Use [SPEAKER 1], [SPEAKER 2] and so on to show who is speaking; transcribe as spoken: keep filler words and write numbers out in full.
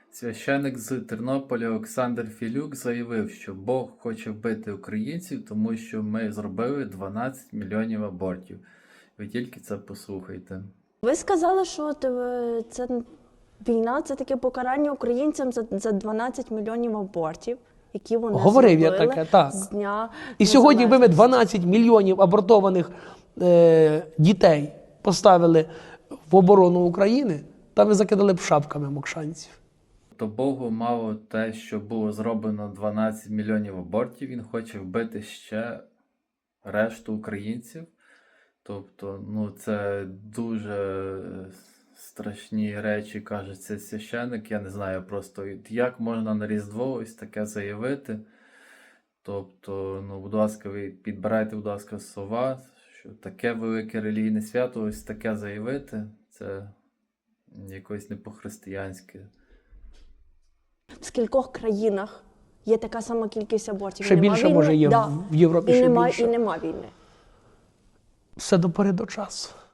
[SPEAKER 1] Священик з Тернополя Олександр Філюк заявив, що Бог хоче вбити українців, тому що ми зробили дванадцять мільйонів абортів. Ви тільки це послухайте.
[SPEAKER 2] Ви сказали, що от, е, це війна – це таке покарання українцям за, за дванадцять мільйонів абортів, які вони
[SPEAKER 3] Говорив я
[SPEAKER 2] зробили
[SPEAKER 3] таке, так.
[SPEAKER 2] з дня
[SPEAKER 3] І сьогодні, якби ми
[SPEAKER 2] незалежності.
[SPEAKER 3] дванадцять мільйонів абортованих е, дітей поставили в оборону України, там ми закидали б шапками мокшанців.
[SPEAKER 1] То Богу мало те, що було зроблено дванадцять мільйонів абортів, він хоче вбити ще решту українців. Тобто, ну, це дуже страшні речі, каже цей священик. Я не знаю просто, як можна на Різдво ось таке заявити. Тобто, ну, будь ласка, ви підбирайте, будь ласка, слова, що таке велике релігійне свято, ось таке заявити, це якось не по-християнськи.
[SPEAKER 2] В скількох країнах є така сама кількість абортів?
[SPEAKER 3] Ще
[SPEAKER 2] І нема
[SPEAKER 3] більше,
[SPEAKER 2] війни?
[SPEAKER 3] може, є
[SPEAKER 2] Да.
[SPEAKER 3] в Європі,
[SPEAKER 2] І
[SPEAKER 3] ще
[SPEAKER 2] нема,
[SPEAKER 3] більше.
[SPEAKER 2] і нема війни.
[SPEAKER 3] Все до пори до часу.